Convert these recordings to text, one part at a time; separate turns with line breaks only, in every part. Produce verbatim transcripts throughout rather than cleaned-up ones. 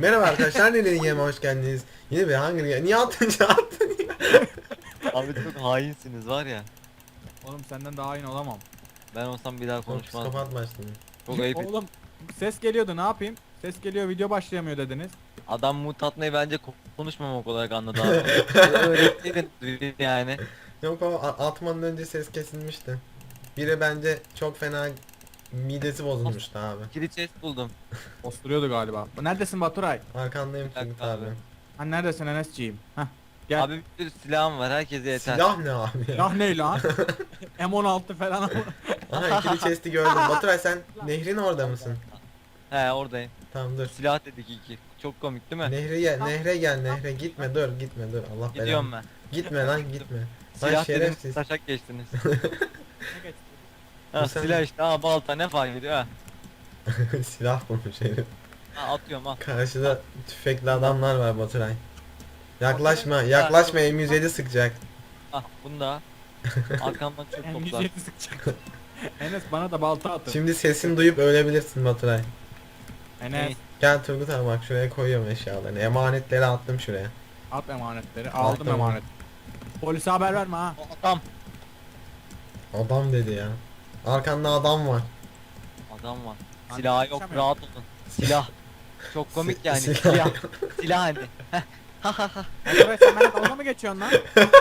Merhaba arkadaşlar, Nelerin Yeme hoş geldiniz. Yine bir Hunger Games. Niye attın attın ya?
Abi çok hainsiniz var ya.
Oğlum senden daha iyi olamam.
Ben olsam bir daha
Çok
konuşmazdım.
psikopat başladı.
Çok ayıp.
Oğlum ses geliyordu, ne yapayım? Ses geliyor, video başlayamıyor dediniz.
Adam mut atmayı bence ko- konuşmamak olarak anladı abi. Öğretmeydin yani.
Yok o a- atmadan önce ses kesilmişti. Biri bence çok fena midesi bozulmuştu abi.
Kilit chest buldum.
Osturuyordu galiba. Neredesin Baturay?
Arkandayım
Bir dakika
Turgut abi.
abi.
Ha neredesin Enes'ciğim? Hah. Gel.
Abi bir sürü silahım var, herkese yeter.
Silah ne abi ya?
Ya ne lan? M on altı falan ama.
Aha ikili chest'i gördüm. Baturay sen nehrin orada mısın?
He oradayım.
Tamam dur.
Silah dedik iki. Çok komik değil mi?
Nehre gel, nehre gel, nehre gitme dur, gitme dur. Allah
Gidiyorum
belanı.
ben.
Gitme lan gitme. Lan
Silah dedim,
şerefsiz.
taşak geçtiniz.
Ne geçti?
Ha,
Bu sen-
silah işte, ha balta ne fark ediyor ha.
Silah bulmuş herif.
Ha atıyorum ha.
Karşıda tüfekli adamlar var Baturay. Yaklaşma, yaklaşma M yüz yedi sıkacak.
Ah bunu da. Arkamdan çok
En
toplar.
yüzeyini sıkacak. Enes bana da balta atın.
Şimdi sesini duyup ölebilirsin Baturay.
Enes
Gel Turgut abi bak şuraya koyuyorum eşyalarını. Emanetleri attım şuraya.
at emanetleri. Aldım
Attım.
emanet. Polise haber verme ha.
Adam.
Adam dedi ya. Arkanda adam var.
Adam var.
Hani
Silah yok,
konuşamıyorum.
rahat olun. Silah. Çok komik
Si-
yani.
silah
Silah.
yok.
Silah hani. Ha ha ha.
Baturay sen benimle dalga mı geçiyorsun lan?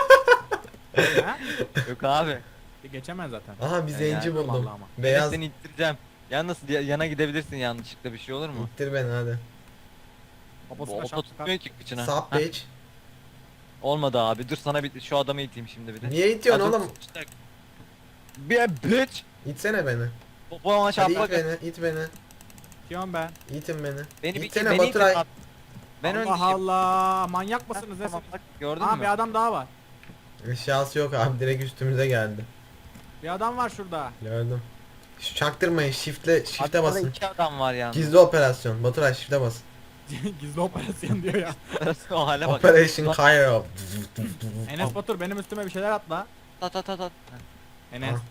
ha?
Yok abi.
Bir geçemez zaten.
Aha bir
Ya
zenci
yani
buldum.
vallahi ama.
Beyaz.
Beyaz. Seni ittireceğim. Yalnız ya- yana gidebilirsin yanlışlıkla, bir şey olur mu?
İttir beni hadi.
Bu
Babasına
oto
şap
tutmuyor ki kıçına.
Sub
Heh,
bitch.
olmadı abi. Dur sana bir şu adamı iteyim şimdi bir de.
Niye itiyorsun
Hazır
oğlum?
tutuştak. Bir bitch.
İtsene beni.
Popoma
Hadi
şaplak.
it beni, it beni.
Diyorum ben.
İtin beni.
Beni bir
İtsene
beni itin
Baturay.
abi. Ben
Allah
öndeyim.
Allah. Manyak mısınız?
Tamam,
Tamam,
bak, gördün
Aa
mü?
bir adam daha var.
Eşyası yok abi direkt üstümüze geldi.
Bir adam var şurada.
Gördüm. Şu çaktırmayın shift'le shift'e
Arkada
basın.
iki adam var yani.
Gizli operasyon. Baturay shift'e basın.
Gizli operasyon diyor ya.
O hale bak.
Operation Cairo.
Enes Batur benim üstüme bir şeyler atla.
Ta ta ta ta.
Enes.
Ah.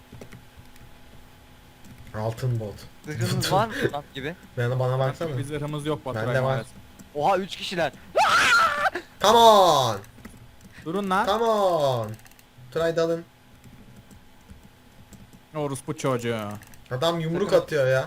Altın bot.
Zırhınız var mı lan gibi?
Ben de bana baksana.
Bir zırhımız yok Baturay
Bende var.
maalesef.
Oha üç kişiler.
Come on.
Durun lan.
Come on. Try dalın.
Orospu çocuğu.
Adam yumruk atıyor ya.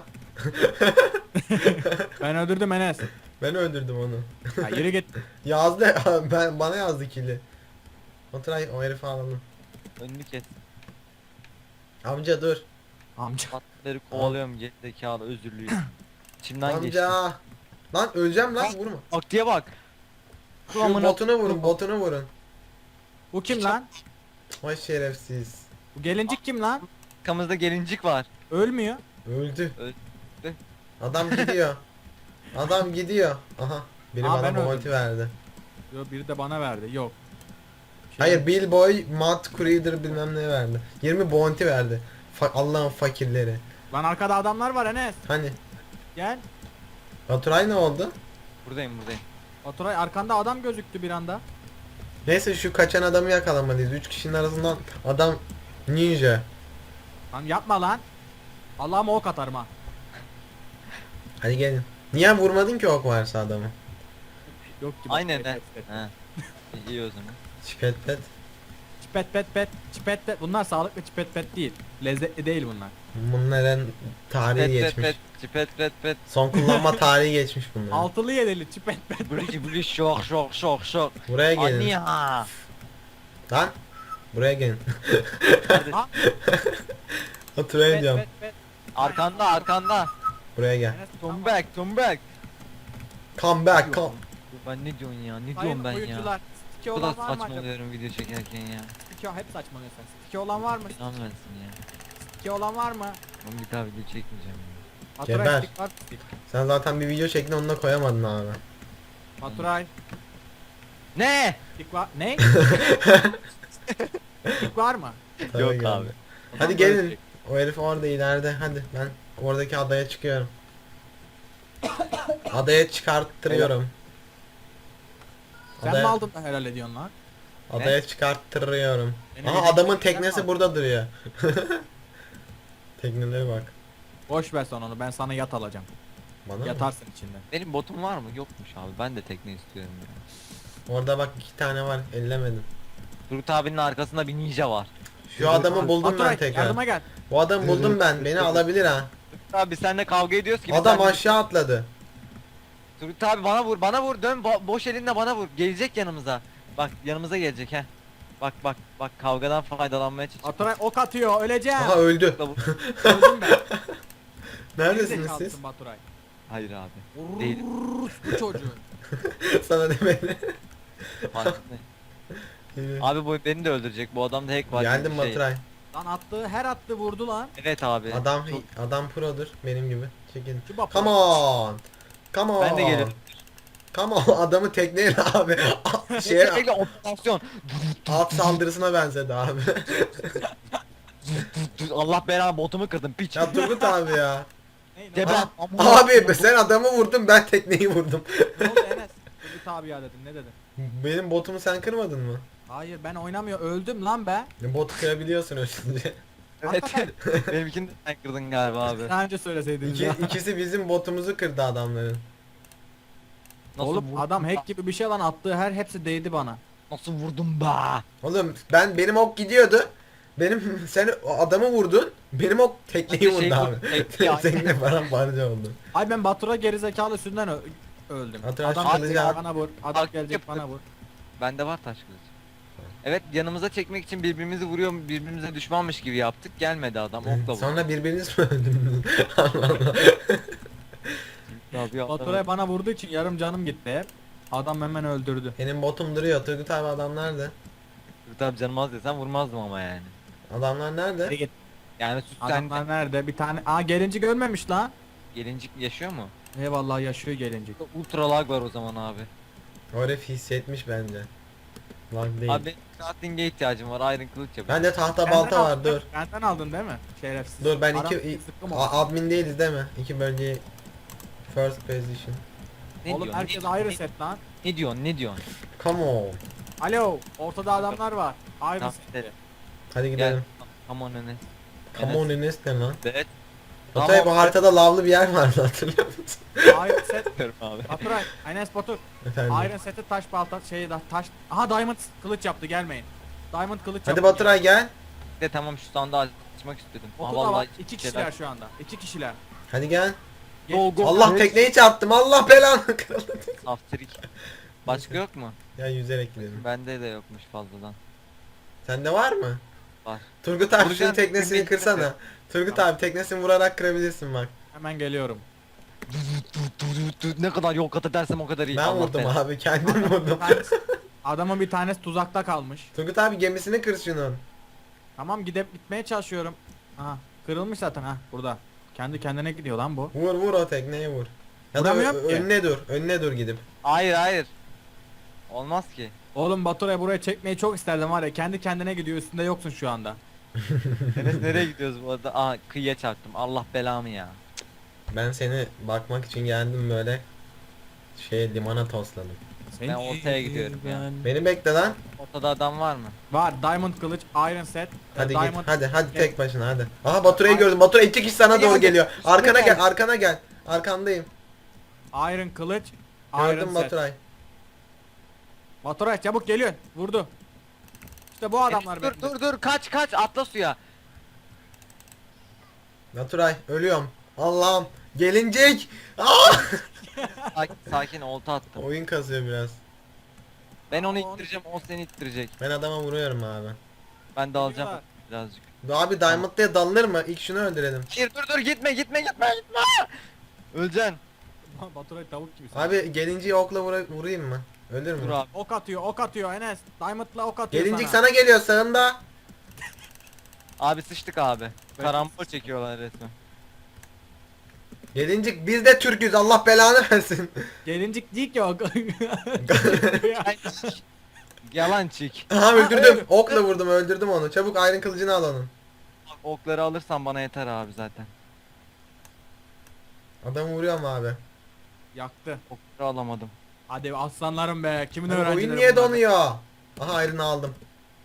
Ben öldürdüm Enes.
Ben öldürdüm onu.
Ya yürü git.
Yazdı ben bana yazdı kili. Oturay o herifi alalım.
Önünü kes.
Amca dur.
Amca.
Patları kovalıyorum gerizekalı, özürlüyüm. İçimden geçti.
Amca. Lan öleceğim lan vurma.
Aktiye bak.
Şu
amına-
botunu vurun botunu vurun.
Bu kim lan?
Vay şerefsiz.
Bu gelincik kim lan?
Arkamızda gelincik var.
Ölmüyor.
Öldü.
Öldü.
Adam gidiyor. Adam gidiyor. Aha. Biri
Aa,
bana
ben
bounty
öldüm.
verdi.
Yo, biri de bana verdi. Yok. Şey-
Hayır Bill Boy, Matt Creeder bilmem ne verdi. yirmi bounty verdi. Fa Allah'ın fakirleri.
Lan arkada adamlar var Enes.
Hani
Gel.
Baturay ne oldu?
Buradayım buradayım.
Baturay arkanda adam gözüktü bir anda.
Neyse şu kaçan adamı yakalamalıyız. Üç kişinin arasından adam ninja.
Lan yapma lan. Allah'ıma ok atarım ha.
Hadi gelin. Niye vurmadın ki ok varsa adamı?
Yok ki.
Aynen
Pet,
he.
pet, pet.
He. İyi o zaman.
Çipet pet.
Çipet pet pet. Çipet pet. Bunlar sağlıklı çipet pet değil. Lezzetli değil bunlar.
Bunların tarihi
Pet pet
geçmiş.
pet. Pet pet pet.
Son kullanma tarihi geçmiş bunların.
Altılı yedili çipet pet.
Bülüş bülüş şok şok şok şok.
Buraya gelin.
Anne ya.
Lan. Buraya gelin.
Ha?
Oturayım
Pet
diyorum.
pet pet.
Arkanda arkanda.
Buraya gel.
Enes,
Come back come back.
Come back come.
Ben ne diyorsun ya? Ne
Sayın
diyorum ben ya?
oyuncular. Stiki
Bu kadar
olan var mı acaba?
saçmalıyorum video çekerken ya.
Stiki hep saçmalıyorsun. Stiki olan var mı?
İnan versin ya.
Stiki olan var mı?
Ben bir daha video çekmeyeceğim ya.
Baturay
Geber.
stik var. Stik.
Sen zaten bir video çektin onu da koyamadın abi.
Baturay.
Ne?
Stik var. Ne? Stik var mı?
Tabii
Yok
geldi.
abi.
O
Hadi
zaman böyle
gelin.
stik.
O herif orada ileride. Hadi ben oradaki adaya çıkıyorum. Adaya çıkarttırıyorum.
Sen
Adaya,
mi aldın da helal ediyorsun lan?
adaya çıkarttırıyorum.
Benim
Aha
elimde
adamın
bir şey
teknesi
var.
burada duruyor. Teknelere bak.
Boş ver sen onu, ben sana yat alacağım.
Bana mı?
Yatarsın içinde.
Benim botum var mı? Yokmuş abi. Ben de tekne istiyorum ya.
Orada bak iki tane var, ellemedim.
Turgut abinin arkasında bir ninja var.
Şu adamı buldum ben
Baturay,
tekrar.
yardıma gel.
Bu adamı buldum ben. Beni alabilir ha.
Turgut abi seninle kavga ediyoruz ki.
Adam
sen-
aşağı atladı.
Turgut abi bana vur, bana vur. Dön bo- boş elinle bana vur. Gelecek yanımıza. Bak yanımıza gelecek he. Bak bak bak kavgadan faydalanmaya çalışıyor.
Baturay ok atıyor, öleceğim.
Aha öldü.
Öldüm ben.
Neredesiniz
Gerizekalısın
siz?
Baturay.
Hayır abi. Değil.
Bu çocuğu.
Sana demedi.
Abi bu beni de öldürecek. Bu adamda hack var. gibi
Geldim
bir şey.
Baturay.
Lan attığı her attı vurdu lan.
Evet abi.
Adam
Çok-
adam produr benim gibi. Çekin.
Şu bak-
Come on. Come on.
Ben de gelirim.
Come on. Adamı tekneyle abi. Şeye
Sürekli operasyon.
alt saldırısına benzedi abi.
Allah belanı botumu kırdım piç.
Ya Turgut abi ya.
Ney, ne,
Geber.
oldu?
Abi sen adamı vurdun, ben tekneyi vurdum.
Ne oldu Enes? Turgut abi ya dedim, ne dedin?
Benim botumu sen kırmadın mı?
Hayır ben oynamıyor, öldüm lan be.
Botu kırabiliyorsun ölçünce.
Evet. Benimkini de sen kırdın galiba abi.
Daha önce söyleseydiniz
İki,
ya.
ikisi bizim botumuzu kırdı adamların.
Nasıl
Oğlum
vurdum
adam
be?
hack gibi bir şey lan, attığı her hepsi değdi bana.
Nasıl vurdum be?
Oğlum ben benim ok gidiyordu. Benim sen o adamı vurdun. Benim ok tekneyi
Hadi şey
vurdu abi.
vur, tekneyi-
Tekne falan parça oldu.
Ay ben Batura gerizekalı üstünden ö- öldüm.
Baturay
Adam
kılıcı
gelecek
al.
bana vur. Adam
Bak,
gelecek
yap-
bana vur.
Bende var taş kılıç. Evet yanımıza çekmek için birbirimizi vuruyor, birbirimize düşmanmış gibi yaptık. Gelmedi adam okla vurdu.
Sonra birbiriniz mi öldünüz? Allah Allah.
Abi ya,
Batura'ya bana vurduğu için yarım canım gitti hep. Adam hemen öldürdü.
Benim botum duruyor. Turgut abi adam nerede?
Tabii canım az desem vurmazdım ama yani.
Adamlar nerede?
Geri git.
Yani süt
Adamlar
sende.
nerede? Bir tane. Aa gelinci görmemiş lan.
Gelincik yaşıyor mu?
Eyvallah yaşıyor gelincik.
Ultra lag var o zaman abi.
O herif hissetmiş bence. Lag değil.
Abi crafting'e ihtiyacım var. Iron kılıç yapacağım.
Bende tahta
Benden
balta var,
aldın,
dur.
Benden aldın değil mi? Şerefsiz.
Dur ben
Aram
iki
sıkkım
a-
oldu.
admin değiliz değil mi? İki bölgeyi first position.
Ne
Oğlum
diyorsun?
herkes
ne,
ayrı
ne,
set lan.
ne diyorsun? Ne diyorsun?
Come on.
Alo, ortada adamlar var. Ayrı
Tamam,
set.
gidelim.
Hadi
Gel.
gidelim.
Come on Enes.
Come on Enes ne lan?
Evet.
Baturay bu haritada lavlı bir yer vardı hatırlıyor musun?
Ayrı set.
Diyorum abi.
Baturay, Enes Batur.
Efendim.
Iron seti taş balta şeyi da taş. Aha Diamond kılıç yaptı, gelmeyin. Diamond kılıç
Hadi
yaptı.
Baturay gel.
De tamam şu sandığı açmak istedim.
Oku
Aa,
da
vallahi
var. İki
şeyler-
kişiler şu anda. İki kişiler.
Hadi gel.
Go, go.
Allah
Evet.
tekneyi çarptım. Allah belanı kırıldı.
Saftirik. Başka yok mu?
Ya yüzerek gidelim.
Bende de yokmuş fazladan.
Sende var mı?
Var.
Turgut abi şunun
Vuracağım,
teknesini
tekneyi
kırsana.
kıracağım.
Turgut abi teknesini vurarak kırabilirsin bak.
Hemen geliyorum.
Ne kadar yol kat edersem o kadar iyi.
Ben
Allah
vurdum
belanı.
abi, kendim vurdum.
Bir tanesi- Adamın bir tanesi tuzakta kalmış.
Turgut abi gemisini kır şunun.
Tamam gidip gitmeye çalışıyorum. Aha kırılmış zaten ha burada. Kendi kendine gidiyor lan bu.
Vur vur o tekneye vur. Ya da
Vuramıyorum
ö-
ki.
önüne dur. Önüne dur gidip.
Hayır hayır. Olmaz ki.
Oğlum Batura'yı buraya çekmeyi çok isterdim var ya, kendi kendine gidiyor, üstünde yoksun şu anda.
Enes nereye gidiyoruz bu arada? Aa kıyıya çarptım. Allah belamı ya.
Ben seni bakmak için geldim böyle. Şey limana tosladım.
Ben ortaya gidiyorum ya.
Beni bekle lan.
Ortada adam var mı?
Var Diamond kılıç, Iron set.
Hadi
Diamond...
git. Hadi hadi
Gel.
tek başına hadi. Aha Baturay'ı gördüm. Baturay iki kişi sana
Hadi,
doğru
hadi.
geliyor. Arkana
gel.
gel, arkana gel. Arkandayım.
Iron kılıç, Iron
Gördüm
set.
Baturay.
Baturay çabuk geliyor. Vurdu. İşte bu adamlar
Enes, dur dur dur kaç kaç atla suya.
Baturay ölüyorum. Allah'ım. Gelincik. Aa!
Sakin, sakin olta attım.
Oyun kasıyor biraz.
Ben onu
Aa, onu-
ittireceğim o seni ittirecek.
Ben adama vuruyorum abi.
Ben de alacağım
Geliyorlar.
birazcık.
Abi Diamond diye dalınır mı? İlk şunu öldürelim.
Hayır dur dur gitme gitme gitme gitme. Öleceksin.
Baturay tavuk gibi. sen.
Abi gelinciyi okla vura- vurayım mı? Ölür
Dur
mü?
abi.
Ok atıyor, ok atıyor Enes. Diamond'la ok atıyor
Gelincik
sana.
sana geliyor sağında.
Abi sıçtık abi.
Ben-
Karambol çekiyorlar resmen.
Gelincik biz de Türk'üz, Allah belanı versin.
Gelincik değil ki o.
Yalan çik.
Aha öldürdüm.
öldü.
Okla vurdum, öldürdüm onu. Çabuk Iron kılıcını al onun.
Okları alırsan bana yeter abi zaten.
Adamı vuruyorum abi.
Yaktı.
Okları alamadım.
Hadi aslanlarım be. Kimin
Abi
öğrencileri
oyun niye
bunlar?
donuyor? Aha Iron'ı aldım.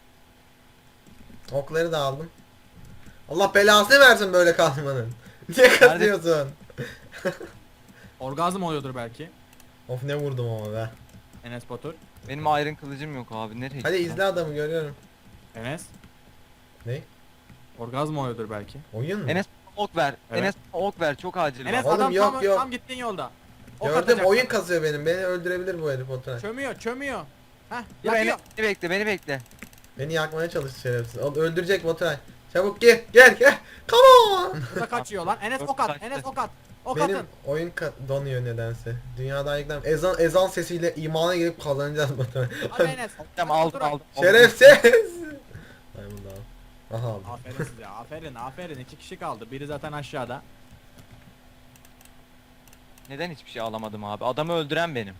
Okları da aldım. Allah belasını versin böyle kalmanın. Niye kazıyorsun?
Orgazm oluyordur belki.
Of ne vurdum ama be.
Enes Batur.
Benim iron kılıcım yok abi. Nereye
Hadi
gitti
izle adamı görüyorum.
Enes.
Ne?
Orgazm oluyordur belki.
Oyun mu?
lan? Enes ok ver.
Evet.
Enes ok ver. Çok acil.
Enes
var.
Oğlum
adam
yok,
tam,
yok.
tam gittiğin yolda. Ok
Gördüm
atacak
oyun
sana.
kasıyor benim. Beni öldürebilir bu herif Oturay.
Çömüyor çömüyor. Heh
Dur Enes,
yakıyor.
beni bekle beni bekle.
Beni yakmaya çalıştı şerefsiz. O öldürecek Oturay. Çabuk gel gel gel. Come on.
Burada kaçıyor lan. Enes
Dört
ok at.
kaçtı.
Enes ok at. Ok
Benim
atın.
oyun ka- donuyor nedense. Dünyada ayıklar. Ezan ezan sesiyle imana girip kazanacağız Baturay.
Hadi Enes.
Tamam
Hadi
aldım
Baturay.
aldım.
Şerefsiz. Diamond al. Aha aldım.
Aferin size aferin aferin. İki kişi kaldı. Biri zaten aşağıda.
Neden hiçbir şey alamadım abi? Adamı öldüren benim.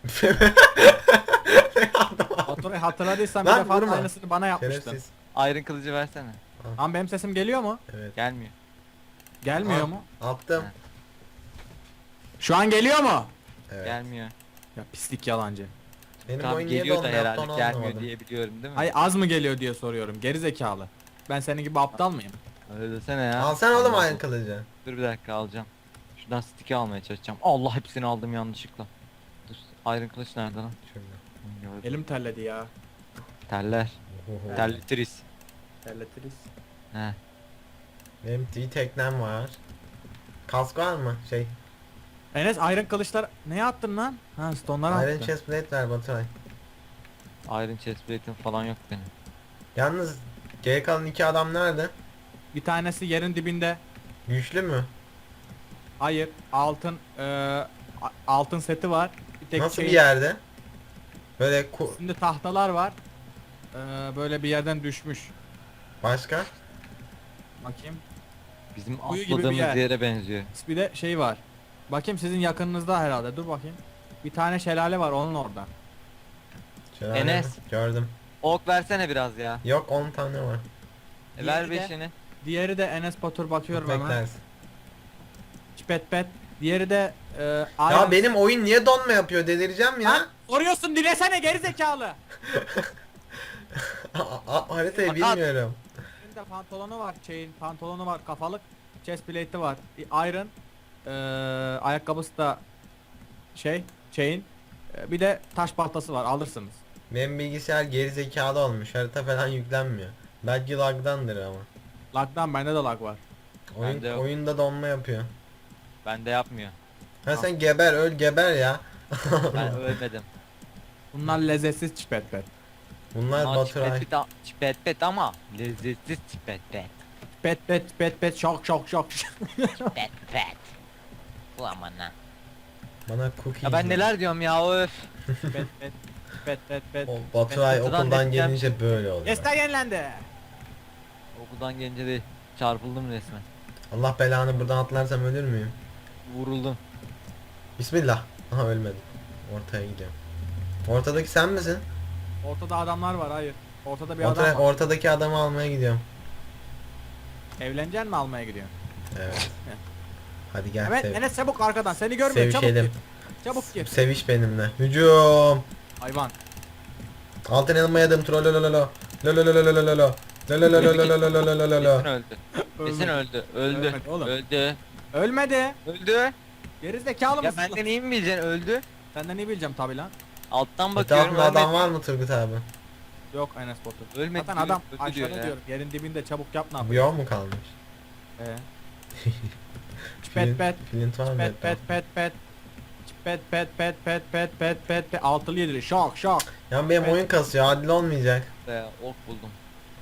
Baturay hatırladıysan bir
Lan
defa
vurma.
aynısını bana yapmıştın.
Şerefsiz.
Iron kılıcı versene.
Lan benim sesim geliyor mu?
Evet.
Gelmiyor.
Gelmiyor
Al.
mu?
Attım.
Ha.
Şu an geliyor mu?
Evet.
Gelmiyor.
Ya pislik yalancı.
Benim
Tamam
oyun niye
geliyor da
donmuyor yaptı
herhalde
onu
gelmiyor
anlamadım.
diye biliyorum değil mi?
Hayır az mı geliyor diye soruyorum. Geri zekalı. Ben senin gibi aptal mıyım?
Öyle desene ya.
Alsana oğlum
Allah
ayın
Allah.
kılıcı.
Dur bir dakika alacağım. Şuradan stick'i almaya çalışacağım. Allah hepsini aldım yanlışlıkla. Dur. Iron kılıç nerede lan?
Şöyle.
Hı, gördüm.
Elim terledi ya.
Teller.
Oho.
Terletiriz.
Terletiriz.
He.
Benim bir teknem var. Kask var mı? Şey.
Enes Iron kılıçlar neye attın lan? Ha stone'lara
Iron
attın.
chest plate ver Baturay.
Iron chestplate'im falan yok benim.
Yalnız geri kalan iki adam nerede?
Bir tanesi yerin dibinde.
Güçlü mü?
Hayır. Altın eee, a- altın seti var. Bir tek
Nasıl
şey,
bir yerde? Böyle ku-
Şimdi tahtalar var. Eee, böyle bir yerden düşmüş.
başka?
Bakayım.
Bizim
Kuyu gibi bir
atladığımız
yer.
yere benziyor.
Bir de şey var. Bakayım sizin yakınınızda herhalde. Dur bakayım. Bir tane şelale var onun orada.
Şelale
Enes.
mi? Gördüm.
Ok versene biraz ya.
Yok on tane var.
E,
Diğeri
ver
de-
beşini.
Diğeri de Enes Batur bakıyorum hemen.
Beklersin.
Çipet pet. Diğeri de eee
Ya
Iron-
benim oyun niye donma yapıyor delireceğim ya.
Lan soruyorsun dilesene geri zekalı.
A- a- haritayı
Bak,
bilmiyorum.
Elinde pantolonu var, şeyin pantolonu var, kafalık, chest plate'i var, iron, eee ayakkabısı da şey, chain, eee, bir de taş baltası var, alırsınız.
Benim bilgisayar geri zekalı olmuş. Harita falan yüklenmiyor. Belki lagdandır ama.
Lag'dan bende de lag var.
Oyun,
Bende yok.
oyunda donma yapıyor.
Bende yapmıyor.
Ha sen geber öl geber ya.
Ben ölmedim.
Bunlar lezzetsiz çipet pet.
Bunlar
Ama
Baturay.
çipet, çipet pet ama lezzetsiz çipet pet.
Pet pet pet pet şok şok şok.
Pet pet. Ulan bana.
Bana cookie.
Ya ben neler diyorum ya öf.
pet pet pet pet pet.
O Baturay
Kutudan
okuldan
net
gelince böyle oluyor.
Desta yenilendi.
Okuldan gelince de çarpıldım resmen.
Allah belanı buradan atlarsam ölür müyüm?
Vuruldum.
Bismillah. Aha ölmedim. Ortaya gidiyorum. Ortadaki sen misin?
Ortada adamlar var, hayır. Ortada bir
Orta,
adam var.
ortadaki adamı almaya gidiyorum.
Evleneceksin mi almaya gidiyorsun?
Evet. Hadi gel
Evet
sev.
Enes çabuk arkadan seni görmüyor, çabuk
Sevişelim.
gir. Çabuk gir.
Seviş benimle. Hücum.
Hayvan.
Altın elma yedim. Trollolololo. Lololololololo. Lolololololololololo.
Kesin öldü. Kesin öldü. Öldü.
Ölmedi oğlum.
Öldü.
Ölmedi.
Öldü.
Geri zekalı
Ya
mısın?
benden iyi mi bileceksin öldü?
Senden ne bileceğim tabi lan.
Alttan bakıyorum
Etrafında adam
ölmedi.
var mı Turgut abi?
Yok Enes Batur.
Ölmedi
Zaten
diyor,
adam
öldü diyor
aşağıda
ya.
diyorum. Yerin dibinde çabuk yap ne
Bu
yapıyor?
yol mu kalmış?
Ee.
Flint-
Pet pet
Flint var mı?
pet pet pet pet pet pet pet pet pet pet pet pet altılı yedili şok şok.
Ya benim
Pet.
oyun kasıyor. Adil olmayacak.
Be, ok buldum.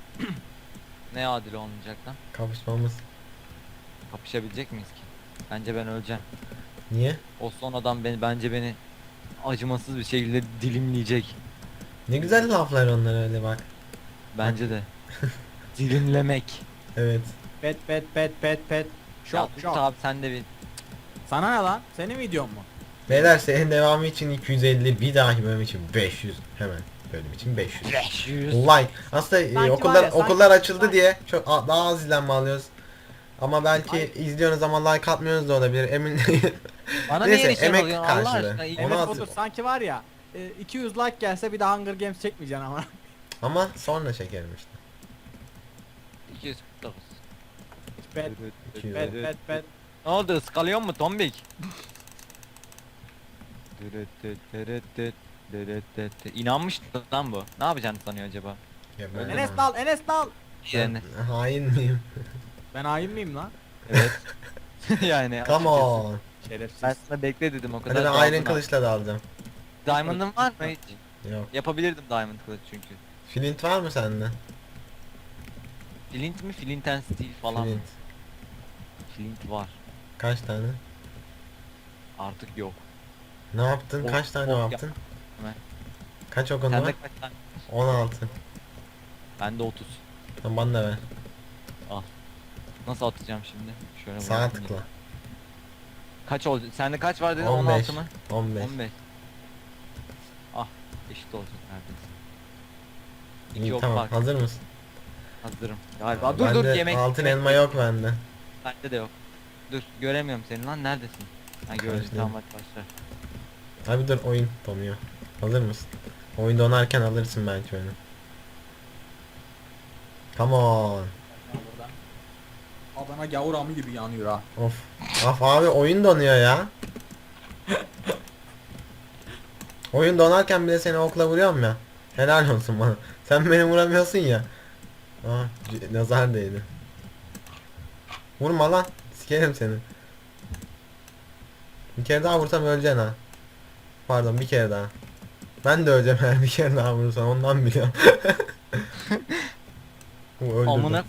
Ne adil olmayacak lan?
Kapışmamız.
Kapışabilecek miyiz ki? Bence ben öleceğim.
Niye?
O son adam beni bence beni acımasız bir şekilde dilimleyecek.
Ne güzel laflar onlar öyle bak.
Bence de. Dilimlemek.
Evet.
Pet pet pet pet pet
Ya
şok
Turgut
şok.
abi sen de bir
Sana ne lan? Senin videon mu?
Beyler senin devamı için iki yüz elli, bir dahaki bölüm için beş yüz. Hemen bölüm için beş yüz.
beş yüz.
Like. Aslında e,
Sanki
okullar
var ya, sanki-
okullar açıldı
sanki-
diye çok a- daha az izlenme alıyoruz. Ama belki
Hayır.
izliyorsunuz ama like atmıyorsunuz da olabilir. Emin değilim.
Bana
Neyse,
niye nişan
emek
alıyorsun Allah
karşılığı.
aşkına? İyi-
Onu
Enes
at-
Batur sanki var ya e, iki yüz like gelse bir daha Hunger Games çekmeyeceksin ama.
Ama sonra çekerim işte.
iki yüz kırk dokuz.
Pet
iki yüz
pet pet pet.
Ne oldu ıskalıyor mu tombik? İnanmıştı lan bu. Ne yapacağını sanıyor acaba?
Ya ben
Enes dal, Enes dal.
Yani
Ben hain miyim?
Ben hain miyim lan?
evet. yani
Come
açıkçası.
on.
Şerefsiz.
Ben sana bekle dedim o
Hadi
kadar.
ben
daldın
Iron
ha.
kılıçla da alacağım.
Diamond'ın var mı hiç?
Yok.
Yapabilirdim diamond kılıç çünkü.
Flint var mı sende?
Flint mi? Flint and steel falan mı?
Flint.
Flint var.
Kaç tane?
Artık yok.
Ne yaptın?
Ok-
Kaç tane
ok
yaptın?
Hemen.
Kaç okun
Sende
var?
kaç tane?
on altı.
Bende otuz.
Tamam bana da ver.
Nasıl atacağım şimdi? Şöyle
Sağa
bırakayım
tıkla.
ya. Kaç oldu? Sende kaç var dedin?
on
on
beş.
altı mı?
on beş.
on beş. Ah, eşit olacak neredeyse. İki
İyi
ok
tamam.
fark.
Hazır mısın?
Hazırım. Galiba. Dur dur
Bende
yemek.
altın
yemek-
elma yok bende.
Bende de yok. Dur göremiyorum seni lan neredesin? Ha gördüm
Karşıdayım.
tamam hadi başla.
Abi dur oyun donuyor. Hazır mısın? Oyun donarken alırsın belki oyunu. Come on.
Adana gavur amı gibi yanıyor ha.
Of. Af abi oyun donuyor ya. Oyun donarken bile seni okla vuruyorum ya. Helal olsun bana. Sen beni vuramıyorsun ya. Ah c- nazar değdi. Vurma lan. Sikerim seni. Bir kere daha vursam öleceksin ha. Pardon bir kere daha. Ben de öleceğim eğer bir kere daha vurursam ondan biliyorum. Bu öldürdü.
Amına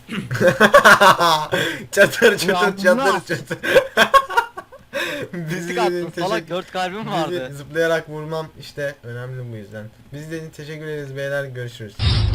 çatır çatır
Ulan
çatır
nasıl?
çatır.
fizik attın salak dört kalbim
Bizi
vardı.
zıplayarak vurmam işte önemli bu yüzden. Biz de teşekkür ederiz beyler, görüşürüz.